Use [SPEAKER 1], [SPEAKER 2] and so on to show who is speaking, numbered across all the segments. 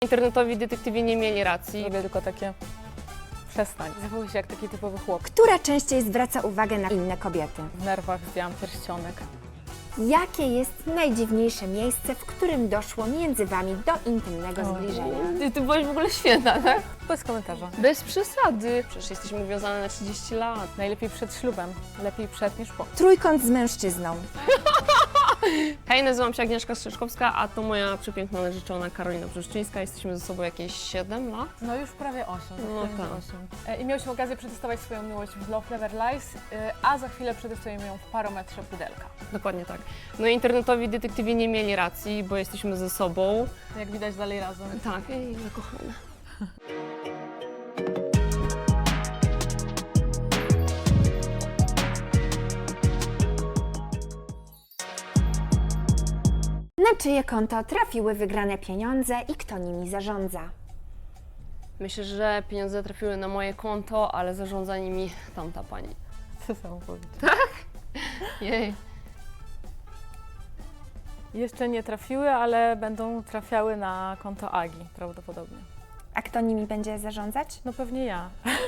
[SPEAKER 1] Internetowi detektywi nie mieli racji.
[SPEAKER 2] Robię tylko takie... Przestań. Zachowuj się jak taki typowy chłop.
[SPEAKER 3] Która częściej zwraca uwagę na inne kobiety?
[SPEAKER 2] W nerwach zdjęłam pierścionek.
[SPEAKER 3] Jakie jest najdziwniejsze miejsce, w którym doszło między wami do intymnego zbliżenia?
[SPEAKER 1] Ty byłaś w ogóle świetna, tak?
[SPEAKER 2] Bez komentarza.
[SPEAKER 1] Bez przesady. Przecież jesteśmy uwiązane na 30 lat.
[SPEAKER 2] Najlepiej przed ślubem. Lepiej przed niż po.
[SPEAKER 3] Trójkąt z mężczyzną.
[SPEAKER 1] Hej, nazywam się Agnieszka Strzyczkowska, a to moja przepiękna narzeczona Karolina Brzeszczyńska. Jesteśmy ze sobą jakieś 7 lat.
[SPEAKER 2] No już prawie 8.
[SPEAKER 1] No tak.
[SPEAKER 2] 8. I miałyśmy okazję przetestować swoją miłość w Love Never Lies, a za chwilę przetestujemy ją w Parometrze Pudelka.
[SPEAKER 1] Dokładnie tak. No i internetowi detektywi nie mieli racji, bo jesteśmy ze sobą.
[SPEAKER 2] Jak widać dalej razem.
[SPEAKER 1] Tak, i zakochane.
[SPEAKER 3] Na czyje konto trafiły wygrane pieniądze i kto nimi zarządza?
[SPEAKER 1] Myślę, że pieniądze trafiły na moje konto, ale zarządza nimi tamta pani.
[SPEAKER 2] Co samo powiedzieć?
[SPEAKER 1] Jej.
[SPEAKER 2] Jeszcze nie trafiły, ale będą trafiały na konto Agi prawdopodobnie.
[SPEAKER 3] A kto nimi będzie zarządzać?
[SPEAKER 2] No pewnie ja.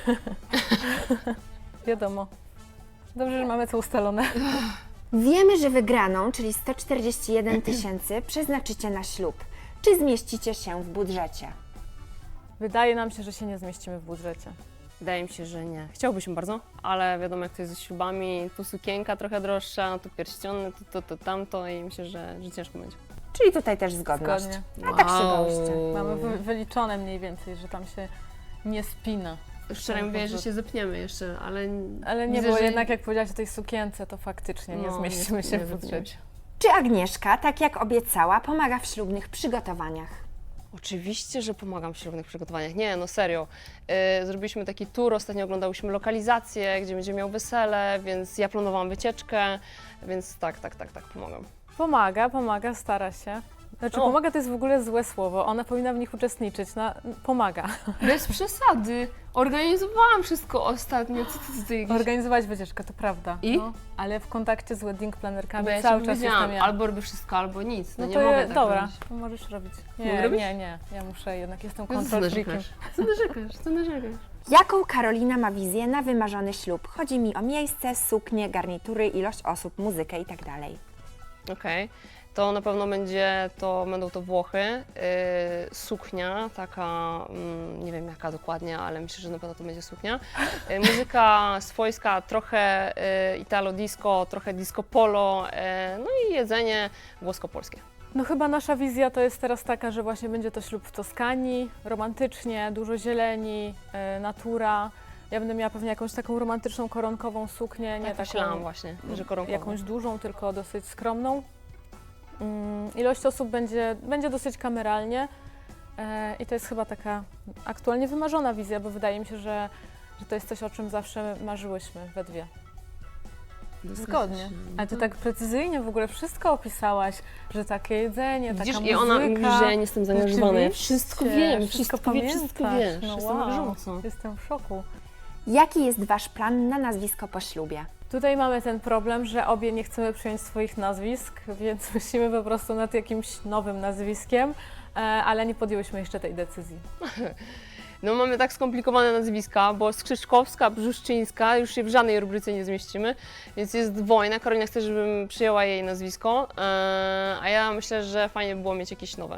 [SPEAKER 2] Wiadomo. Dobrze, że mamy to ustalone.
[SPEAKER 3] Wiemy, że wygraną, czyli 141 000, przeznaczycie na ślub. Czy zmieścicie się w budżecie?
[SPEAKER 2] Wydaje nam się, że się nie zmieścimy w budżecie.
[SPEAKER 1] Wydaje mi się, że nie. Chciałbyśmy bardzo, ale wiadomo jak to jest ze ślubami, tu sukienka trochę droższa, tu pierściony, to tamto i myślę, że ciężko będzie.
[SPEAKER 3] Czyli tutaj też zgodność.
[SPEAKER 2] Zgodnie.
[SPEAKER 3] A tak się bądźcie.
[SPEAKER 2] Mamy wyliczone mniej więcej, że tam się nie spina.
[SPEAKER 1] Wczoraj mówię, że się zepniemy jeszcze, ale...
[SPEAKER 2] Ale nie,
[SPEAKER 1] widzę,
[SPEAKER 2] bo
[SPEAKER 1] że-
[SPEAKER 2] jednak jak powiedziałaś o tej sukience, to faktycznie nie
[SPEAKER 1] No,
[SPEAKER 2] zmieścimy się
[SPEAKER 1] nie
[SPEAKER 2] w budżecie.
[SPEAKER 3] Czy Agnieszka, tak jak obiecała, pomaga w ślubnych przygotowaniach?
[SPEAKER 1] Oczywiście, że pomagam w ślubnych przygotowaniach. Nie, no serio. Zrobiliśmy taki tour, ostatnio oglądałyśmy lokalizację, gdzie będzie miał wesele, więc ja planowałam wycieczkę, więc tak, pomagam.
[SPEAKER 2] Pomaga, stara się. Znaczy
[SPEAKER 1] O.
[SPEAKER 2] pomaga to jest w ogóle złe słowo, ona powinna w nich uczestniczyć, pomaga.
[SPEAKER 1] Bez przesady. Organizowałam wszystko ostatnio. Co ty jakieś...
[SPEAKER 2] Organizować wycieczkę, to prawda.
[SPEAKER 1] I?
[SPEAKER 2] No, ale w kontakcie z wedding planerkami
[SPEAKER 1] Bo ja
[SPEAKER 2] cały
[SPEAKER 1] ci
[SPEAKER 2] czas
[SPEAKER 1] powiedziałam,
[SPEAKER 2] jestem ja.
[SPEAKER 1] albo robię wszystko, albo nic. No,
[SPEAKER 2] No
[SPEAKER 1] nie
[SPEAKER 2] to
[SPEAKER 1] mogę tak
[SPEAKER 2] dobra,
[SPEAKER 1] robić.
[SPEAKER 2] to możesz robić.
[SPEAKER 1] Mogę
[SPEAKER 2] Nie,
[SPEAKER 1] robić?
[SPEAKER 2] nie, ja muszę jednak, jestem
[SPEAKER 1] No co
[SPEAKER 2] control freakiem.
[SPEAKER 1] narzekasz? Co narzekasz?
[SPEAKER 3] Jaką Karolina ma wizję na wymarzony ślub? Chodzi mi o miejsce, suknię, garnitury, ilość osób, muzykę itd.
[SPEAKER 1] Okej. To na pewno będą to Włochy, suknia, taka, nie wiem jaka dokładnie, ale myślę, że na pewno to będzie suknia. Muzyka swojska, trochę italo disco, trochę disco polo, no i jedzenie włosko-polskie.
[SPEAKER 2] No chyba nasza wizja to jest teraz taka, że właśnie będzie to ślub w Toskanii, romantycznie, dużo zieleni, natura. Ja będę miała pewnie jakąś taką romantyczną, koronkową suknię, nie
[SPEAKER 1] Tak
[SPEAKER 2] taką
[SPEAKER 1] myślałam właśnie, że koronkowo.
[SPEAKER 2] jakąś dużą, tylko dosyć skromną. Ilość osób będzie dosyć kameralnie i to jest chyba taka aktualnie wymarzona wizja, bo wydaje mi się, że to jest coś, o czym zawsze marzyłyśmy we dwie. Zgodnie. Ale ty tak precyzyjnie w ogóle wszystko opisałaś, że takie jedzenie,
[SPEAKER 1] Widzisz,
[SPEAKER 2] taka
[SPEAKER 1] i ona mówi,
[SPEAKER 2] muzyka.
[SPEAKER 1] że ja nie jestem zaangażowana. Ja
[SPEAKER 2] Rzeczywiście,
[SPEAKER 1] wszystko wiem,
[SPEAKER 2] wszystko
[SPEAKER 1] wszystko
[SPEAKER 2] pamiętasz.
[SPEAKER 1] wiesz.
[SPEAKER 2] No
[SPEAKER 1] Jestem na
[SPEAKER 2] wow,
[SPEAKER 1] bieżąco.
[SPEAKER 2] jestem w szoku.
[SPEAKER 3] Jaki jest Wasz plan na nazwisko po ślubie?
[SPEAKER 2] Tutaj mamy ten problem, że obie nie chcemy przyjąć swoich nazwisk, więc myślimy po prostu nad jakimś nowym nazwiskiem, ale nie podjęłyśmy jeszcze tej decyzji.
[SPEAKER 1] No mamy tak skomplikowane nazwiska, bo Skrzyżkowska, Brzeszczyńska, już się w żadnej rubryce nie zmieścimy, więc jest wojna. Karolina chce, żebym przyjęła jej nazwisko, a ja myślę, że fajnie by było mieć jakieś nowe.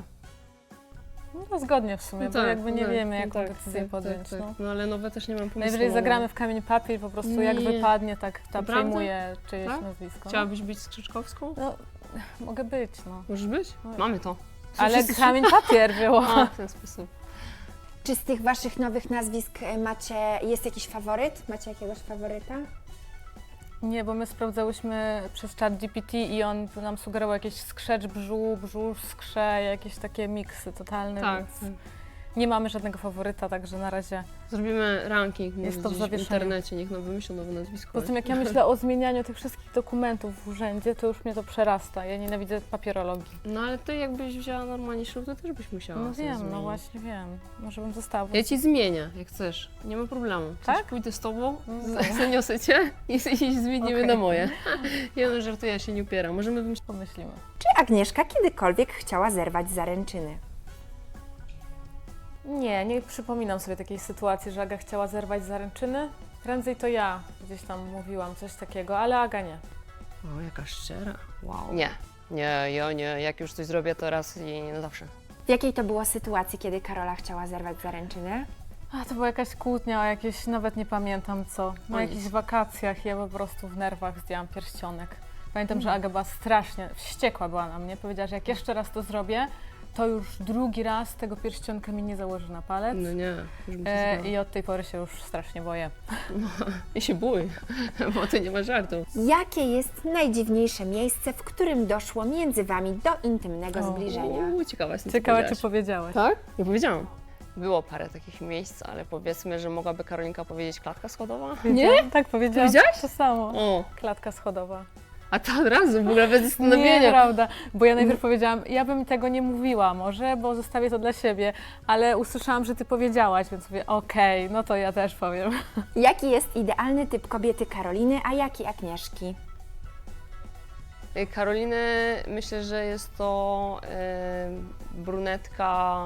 [SPEAKER 2] No zgodnie w sumie, bo jakby nie wiemy, jaką
[SPEAKER 1] tak,
[SPEAKER 2] decyzję podjąć. No.
[SPEAKER 1] No ale nowe też nie mam pomysłu.
[SPEAKER 2] Najwyżej zagramy w kamień papier, po prostu jak
[SPEAKER 1] Nie.
[SPEAKER 2] wypadnie, tak tam
[SPEAKER 1] Naprawdę?
[SPEAKER 2] przejmuję czyjeś
[SPEAKER 1] Tak?
[SPEAKER 2] nazwisko.
[SPEAKER 1] Chciałabyś być Skrzyżkowską?
[SPEAKER 2] No, mogę być, no.
[SPEAKER 1] Możesz być? Mamy to.
[SPEAKER 2] Ale kamień papier było.
[SPEAKER 1] A, w ten sposób.
[SPEAKER 3] Czy z tych Waszych nowych nazwisk jest jakiś faworyt? Macie jakiegoś faworyta?
[SPEAKER 2] Nie, bo my sprawdzałyśmy przez czat GPT i on nam sugerował jakieś skrzecz brzuch, skrze, jakieś takie miksy totalne,
[SPEAKER 1] Tak.
[SPEAKER 2] więc nie mamy żadnego faworyta, także na razie.
[SPEAKER 1] Zrobimy ranking
[SPEAKER 2] Jest
[SPEAKER 1] może
[SPEAKER 2] to w
[SPEAKER 1] gdzieś w
[SPEAKER 2] zawieszeniu.
[SPEAKER 1] internecie, niech nam wymyślą nowe nazwisko.
[SPEAKER 2] Poza tym jak ja myślę o zmienianiu tych wszystkich dokumentów w urzędzie, to już mnie to przerasta. Ja nienawidzę papierologii.
[SPEAKER 1] No ale ty jakbyś wzięła normalnie ślub, to też byś musiała
[SPEAKER 2] No
[SPEAKER 1] sobie
[SPEAKER 2] wiem,
[SPEAKER 1] zmienić.
[SPEAKER 2] no właśnie wiem. Może bym została.
[SPEAKER 1] Ja ci zmienię, jak chcesz. Nie ma problemu. Chcesz,
[SPEAKER 2] Tak?
[SPEAKER 1] pójdę z tobą,
[SPEAKER 2] No.
[SPEAKER 1] zaniosę cię i zmienimy
[SPEAKER 2] Okej.
[SPEAKER 1] na moje. Ja no żartuję, ja się nie upieram. Możemy wymyślić.
[SPEAKER 2] Pomyślimy.
[SPEAKER 3] Czy Agnieszka kiedykolwiek chciała zerwać zaręczyny?
[SPEAKER 2] Nie przypominam sobie takiej sytuacji, że Aga chciała zerwać zaręczyny. Prędzej to ja gdzieś tam mówiłam coś takiego, ale Aga nie.
[SPEAKER 1] O, jaka szczera. Wow. Nie, ja nie. Jak już coś zrobię, to raz i nie na zawsze.
[SPEAKER 3] W jakiej to było sytuacji, kiedy Karola chciała zerwać zaręczyny?
[SPEAKER 2] A to była jakaś kłótnia, o jakieś, nawet nie pamiętam co. Na
[SPEAKER 1] O
[SPEAKER 2] jakichś
[SPEAKER 1] nic.
[SPEAKER 2] wakacjach ja po prostu w nerwach zdjęłam pierścionek. Pamiętam, że Aga była strasznie, wściekła była na mnie. Powiedziała, że jak jeszcze raz to zrobię, to już drugi raz tego pierścionka mi nie założy na palec.
[SPEAKER 1] No nie, już bym się
[SPEAKER 2] I od tej pory się już strasznie boję.
[SPEAKER 1] I się bój, bo ty nie ma żartu.
[SPEAKER 3] Jakie jest najdziwniejsze miejsce, w którym doszło między Wami do intymnego zbliżenia?
[SPEAKER 1] Ciekawa jestem,
[SPEAKER 2] Ciekawe,
[SPEAKER 1] co
[SPEAKER 2] czy powiedziałaś.
[SPEAKER 1] Tak? Nie powiedziałam. Było parę takich miejsc, ale powiedzmy, że mogłaby Karolinka powiedzieć klatka schodowa?
[SPEAKER 2] Nie? Tak powiedziałaś?
[SPEAKER 1] Powiedziałaś?
[SPEAKER 2] To samo.
[SPEAKER 1] O,
[SPEAKER 2] Klatka schodowa.
[SPEAKER 1] a to od razu, w ogóle bez zastanowienia.
[SPEAKER 2] Nieprawda, bo ja najpierw powiedziałam, ja bym tego nie mówiła może, bo zostawię to dla siebie, ale usłyszałam, że ty powiedziałaś, więc mówię, okej, no to ja też powiem.
[SPEAKER 3] Jaki jest idealny typ kobiety Karoliny, a jaki Agnieszki?
[SPEAKER 1] Karoliny, myślę, że jest to brunetka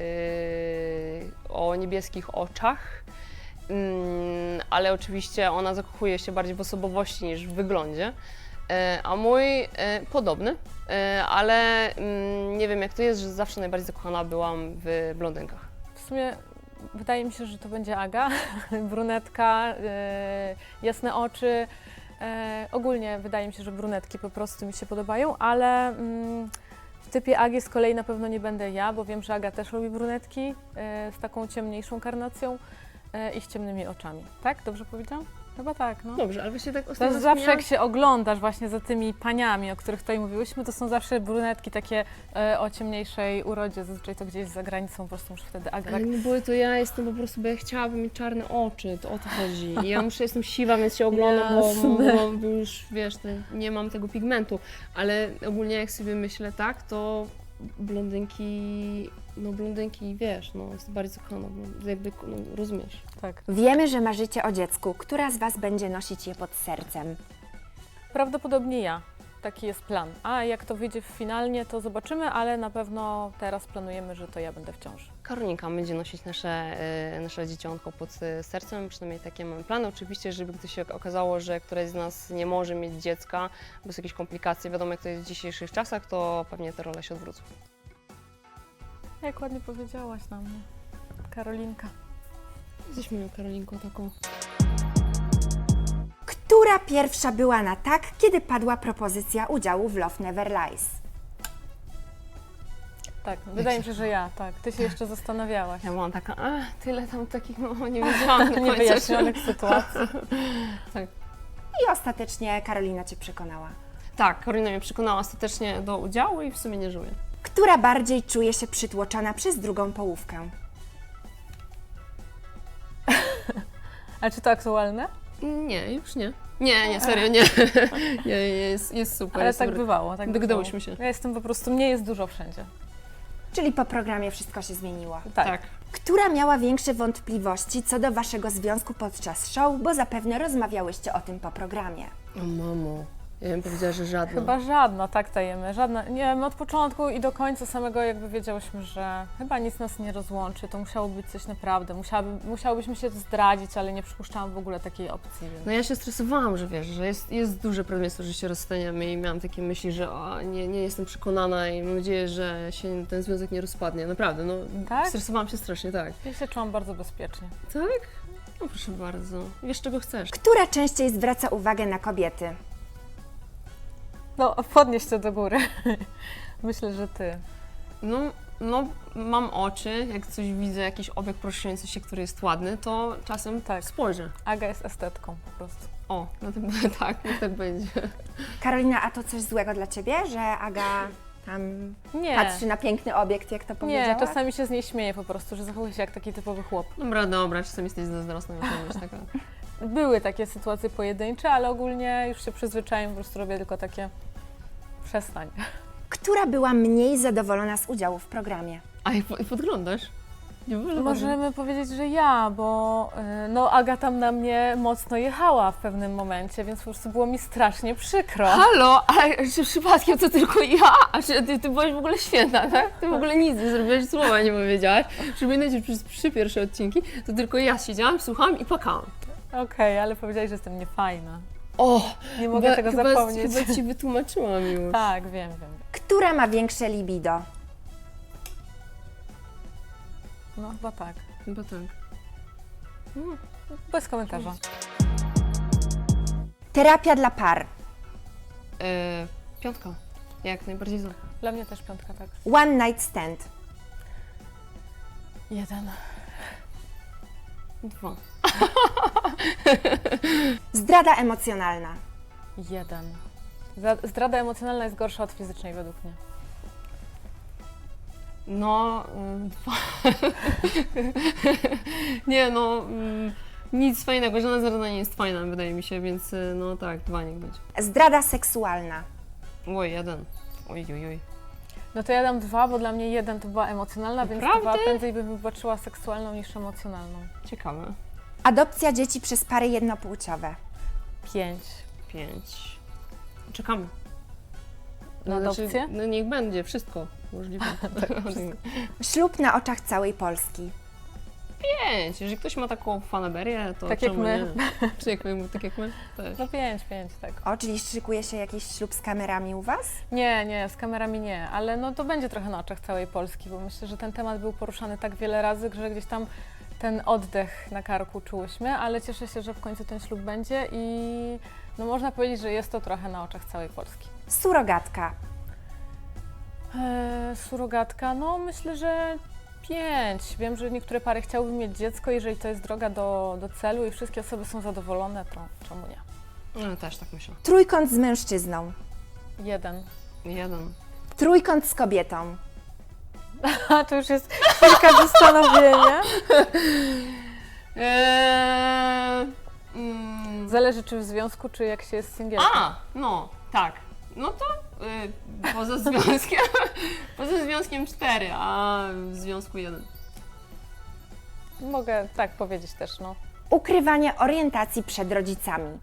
[SPEAKER 1] o niebieskich oczach, ale oczywiście ona zakochuje się bardziej w osobowości niż w wyglądzie. A mój podobny, ale nie wiem jak to jest, że zawsze najbardziej zakochana byłam w blondynkach.
[SPEAKER 2] W sumie wydaje mi się, że to będzie Aga, brunetka, jasne oczy. Ogólnie wydaje mi się, że brunetki po prostu mi się podobają, ale w typie Agi z kolei na pewno nie będę ja, bo wiem, że Aga też lubi brunetki z taką ciemniejszą karnacją i z ciemnymi oczami. Tak? Dobrze powiedziałam? Chyba tak, no.
[SPEAKER 1] Dobrze, ale właśnie tak
[SPEAKER 2] To
[SPEAKER 1] ostatnio
[SPEAKER 2] jest zawsze jak się oglądasz właśnie za tymi paniami, o których tutaj mówiłyśmy, to są zawsze brunetki takie o ciemniejszej urodzie, zazwyczaj to gdzieś za granicą, po prostu muszę wtedy Aga
[SPEAKER 1] Ale
[SPEAKER 2] tak...
[SPEAKER 1] nie było to ja jestem po prostu, bo ja chciałabym mieć czarne oczy, to o to chodzi. I ja muszę, jestem siwa, więc się oglądam, bo już wiesz, nie mam tego pigmentu. Ale ogólnie jak sobie myślę tak, to blondynki, wiesz, jest bardziej zakochana, jakby, rozumiesz.
[SPEAKER 2] Tak.
[SPEAKER 3] Wiemy, że marzycie o dziecku. Która z Was będzie nosić je pod sercem?
[SPEAKER 2] Prawdopodobnie ja. Taki jest plan. A jak to wyjdzie finalnie, to zobaczymy, ale na pewno teraz planujemy, że to ja będę w ciąży.
[SPEAKER 1] Karolinka będzie nosić nasze dzieciątko pod sercem, przynajmniej takie mamy plany. Oczywiście, żeby gdy się okazało, że któraś z nas nie może mieć dziecka, bez jakichś komplikacji, wiadomo jak to jest w dzisiejszych czasach, to pewnie te role się odwrócą.
[SPEAKER 2] Jak ładnie powiedziałaś na mnie. Karolinka.
[SPEAKER 1] Jesteśmy moją Karolinką taką.
[SPEAKER 3] Która pierwsza była na tak, kiedy padła propozycja udziału w Love Never Lies?
[SPEAKER 2] Tak, wydaje mi się, że ja, tak. Ty się jeszcze zastanawiałaś.
[SPEAKER 1] Ja byłam taka, tyle tam takich, nie wiedziałam do końca.
[SPEAKER 2] Niewyjaśnionych sytuacji.
[SPEAKER 3] I ostatecznie Karolina Cię przekonała.
[SPEAKER 1] Tak, Karolina mnie przekonała ostatecznie do udziału i w sumie nie żałuję.
[SPEAKER 3] Która bardziej czuje się przytłoczona przez drugą połówkę?
[SPEAKER 2] A czy to aktualne?
[SPEAKER 1] Nie, już nie. Nie, serio, nie. Nie, jest super.
[SPEAKER 2] Ale
[SPEAKER 1] jest
[SPEAKER 2] tak
[SPEAKER 1] super.
[SPEAKER 2] bywało. Tak
[SPEAKER 1] Dogadyłyśmy
[SPEAKER 2] bywało.
[SPEAKER 1] się.
[SPEAKER 2] Ja jestem po prostu, mnie jest dużo wszędzie.
[SPEAKER 3] Czyli po programie wszystko się zmieniło.
[SPEAKER 2] Tak.
[SPEAKER 3] Która miała większe wątpliwości co do Waszego związku podczas show, bo zapewne rozmawiałyście o tym po programie?
[SPEAKER 1] O mamo, ja bym powiedziała, że żadna.
[SPEAKER 2] Chyba żadna, tak dajemy, żadna. Nie, my od początku i do końca samego jakby wiedziałyśmy, że chyba nic nas nie rozłączy, to musiało być coś naprawdę, musiałybyśmy się zdradzić, ale nie przypuszczałam w ogóle takiej opcji. Więc...
[SPEAKER 1] No ja się stresowałam, że wiesz, że jest duże prawdopodobieństwo, że się rozstaniemy i miałam takie myśli, że nie jestem przekonana i mam nadzieję, że się ten związek nie rozpadnie. Naprawdę,
[SPEAKER 2] Tak?
[SPEAKER 1] stresowałam się strasznie, tak.
[SPEAKER 2] Ja się czułam bardzo bezpiecznie.
[SPEAKER 1] Tak? No proszę bardzo. Wiesz, czego chcesz.
[SPEAKER 3] Która częściej zwraca uwagę na kobiety?
[SPEAKER 2] No, podnieś to do góry. Myślę, że ty.
[SPEAKER 1] No, mam oczy, jak coś widzę, jakiś obiekt poruszający się, który jest ładny, to czasem
[SPEAKER 2] Tak.
[SPEAKER 1] spojrzę.
[SPEAKER 2] Aga jest estetką po prostu.
[SPEAKER 1] O, no to tak, niech tak będzie.
[SPEAKER 3] Karolina, a to coś złego dla Ciebie, że Aga tam
[SPEAKER 2] Nie.
[SPEAKER 3] patrzy na piękny obiekt, jak to powiedziała?
[SPEAKER 2] Nie, czasami się z niej śmieję po prostu, że zachowuje się jak taki typowy chłop.
[SPEAKER 1] Dobra, czasem jesteś zazdrosna, muszę być taka.
[SPEAKER 2] Były takie sytuacje pojedyncze, ale ogólnie już się przyzwyczaiłem, po prostu robię tylko takie przestań.
[SPEAKER 3] Która była mniej zadowolona z udziału w programie?
[SPEAKER 1] A jak podglądasz? Nie może
[SPEAKER 2] Możemy powiedzieć, że ja, bo no Aga tam na mnie mocno jechała w pewnym momencie, więc po prostu było mi strasznie przykro.
[SPEAKER 1] Halo, ale czy przypadkiem to tylko ja? A czy ty byłaś w ogóle świetna, tak? Ty w ogóle nic nie zrobiłaś, słowa nie powiedziałaś. Przypominajcie, że przez 3 pierwsze odcinki to tylko ja siedziałam, słuchałam i płakałam.
[SPEAKER 2] Okej, ale powiedziałeś, że jestem niefajna.
[SPEAKER 1] O!
[SPEAKER 2] Nie mogę tego zapomnieć.
[SPEAKER 1] Chyba ci wytłumaczyłam już.
[SPEAKER 2] Tak, wiem.
[SPEAKER 3] Która ma większe libido?
[SPEAKER 2] No chyba tak.
[SPEAKER 1] Chyba tak.
[SPEAKER 2] Bez komentarza.
[SPEAKER 3] Terapia dla par.
[SPEAKER 1] 5. Jak najbardziej za.
[SPEAKER 2] Dla mnie też 5, tak.
[SPEAKER 3] One night stand.
[SPEAKER 2] 1.
[SPEAKER 1] 2.
[SPEAKER 3] Zdrada emocjonalna.
[SPEAKER 2] 1. Zdrada emocjonalna jest gorsza od fizycznej według mnie.
[SPEAKER 1] No, 2. Nie no, nic fajnego, żadna zdrada nie jest fajna, wydaje mi się, więc no tak, 2 niech będzie.
[SPEAKER 3] Zdrada seksualna.
[SPEAKER 1] Oj, 1. Oj.
[SPEAKER 2] No to ja dam 2, bo dla mnie 1 to była emocjonalna, więc
[SPEAKER 1] Naprawdę?
[SPEAKER 2] 2 prędzej bym wybaczyła seksualną niż emocjonalną.
[SPEAKER 1] Ciekawe.
[SPEAKER 3] Adopcja dzieci przez pary jednopłciowe.
[SPEAKER 2] 5.
[SPEAKER 1] 5. Czekamy.
[SPEAKER 2] Na adopcję?
[SPEAKER 1] No niech będzie, wszystko możliwe.
[SPEAKER 3] Ślub na oczach całej Polski.
[SPEAKER 1] 5. Jeżeli ktoś ma taką fanaberię, to
[SPEAKER 2] Tak jak
[SPEAKER 1] czemu
[SPEAKER 2] my.
[SPEAKER 1] nie? Czy jak my, tak jak my? Też.
[SPEAKER 2] No 5, tak.
[SPEAKER 3] O, czyli szykuje się jakiś ślub z kamerami u Was?
[SPEAKER 2] Nie, z kamerami nie, ale no to będzie trochę na oczach całej Polski, bo myślę, że ten temat był poruszany tak wiele razy, że gdzieś tam ten oddech na karku czułyśmy, ale cieszę się, że w końcu ten ślub będzie i no można powiedzieć, że jest to trochę na oczach całej Polski.
[SPEAKER 3] Surogatka.
[SPEAKER 2] Surogatka, no myślę, że 5. Wiem, że niektóre pary chciałyby mieć dziecko, jeżeli to jest droga do celu i wszystkie osoby są zadowolone, to czemu nie?
[SPEAKER 1] No też tak myślę.
[SPEAKER 3] Trójkąt z mężczyzną.
[SPEAKER 2] 1.
[SPEAKER 1] 1.
[SPEAKER 3] Trójkąt z kobietą.
[SPEAKER 2] A to już jest chwilka zastanowienia. Zależy czy w związku, czy jak się jest singielką.
[SPEAKER 1] No, tak. No to poza związkiem 4, a w związku 1.
[SPEAKER 2] Mogę tak powiedzieć też, no.
[SPEAKER 3] Ukrywanie orientacji przed rodzicami.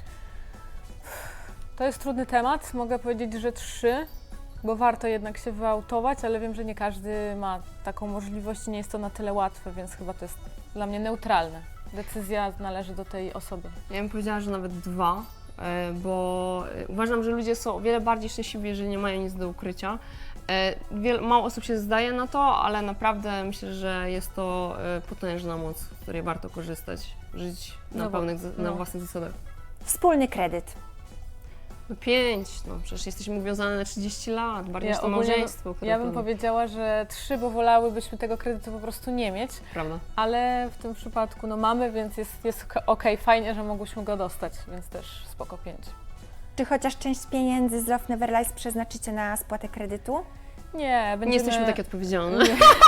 [SPEAKER 2] To jest trudny temat. Mogę powiedzieć, że 3, bo warto jednak się wyautować, ale wiem, że nie każdy ma taką możliwość i nie jest to na tyle łatwe, więc chyba to jest dla mnie neutralne. Decyzja należy do tej osoby.
[SPEAKER 1] Ja bym powiedziała, że nawet 2, bo uważam, że ludzie są o wiele bardziej szczęśliwi, jeżeli nie mają nic do ukrycia. Mało osób się zdaje na to, ale naprawdę myślę, że jest to potężna moc, z której warto korzystać, żyć na własnych zasadach.
[SPEAKER 3] Wspólny kredyt.
[SPEAKER 1] No 5, no przecież jesteśmy uwiązane na 30 lat, bardziej niż to
[SPEAKER 2] ogólnie
[SPEAKER 1] małżeństwo.
[SPEAKER 2] Ja bym
[SPEAKER 1] prawda?
[SPEAKER 2] powiedziała, że 3, bo wolałybyśmy tego kredytu po prostu nie mieć,
[SPEAKER 1] Prawda?
[SPEAKER 2] ale w tym przypadku no mamy, więc jest okej, fajnie, że mogłyśmy go dostać, więc też spoko 5.
[SPEAKER 3] Czy chociaż część pieniędzy z Love Never Lies przeznaczycie na spłatę kredytu?
[SPEAKER 2] Nie, będziemy...
[SPEAKER 1] Nie jesteśmy takie odpowiedzialne.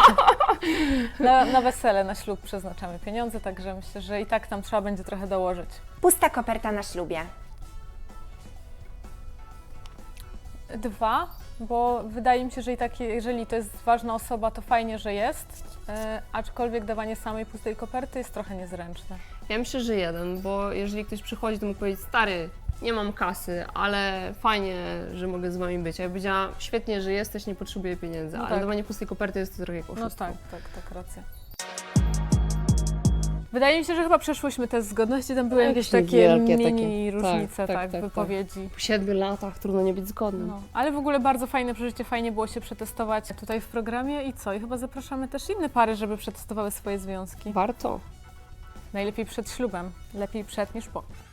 [SPEAKER 2] Na wesele, na ślub przeznaczamy pieniądze, także myślę, że i tak tam trzeba będzie trochę dołożyć.
[SPEAKER 3] Pusta koperta na ślubie.
[SPEAKER 2] 2, bo wydaje mi się, że i tak, jeżeli to jest ważna osoba, to fajnie, że jest, aczkolwiek dawanie samej pustej koperty jest trochę niezręczne.
[SPEAKER 1] Ja myślę, że 1, bo jeżeli ktoś przychodzi, to mógł powiedzieć, stary, nie mam kasy, ale fajnie, że mogę z wami być. A ja powiedziała, świetnie, że jesteś, nie potrzebuję pieniędzy,
[SPEAKER 2] No
[SPEAKER 1] ale
[SPEAKER 2] tak.
[SPEAKER 1] dawanie pustej koperty jest to trochę jak oszustwo.
[SPEAKER 2] No tak, racja. Wydaje mi się, że chyba przeszłyśmy test zgodności, tam były jakieś takie
[SPEAKER 1] wielkie
[SPEAKER 2] mini
[SPEAKER 1] takie.
[SPEAKER 2] różnice,
[SPEAKER 1] Tak,
[SPEAKER 2] w wypowiedzi.
[SPEAKER 1] Po 7 latach trudno nie być zgodnym.
[SPEAKER 2] No, ale w ogóle bardzo fajne przeżycie, fajnie było się przetestować tutaj w programie i co? I chyba zapraszamy też inne pary, żeby przetestowały swoje związki.
[SPEAKER 1] Warto.
[SPEAKER 2] Najlepiej przed ślubem, lepiej przed niż po.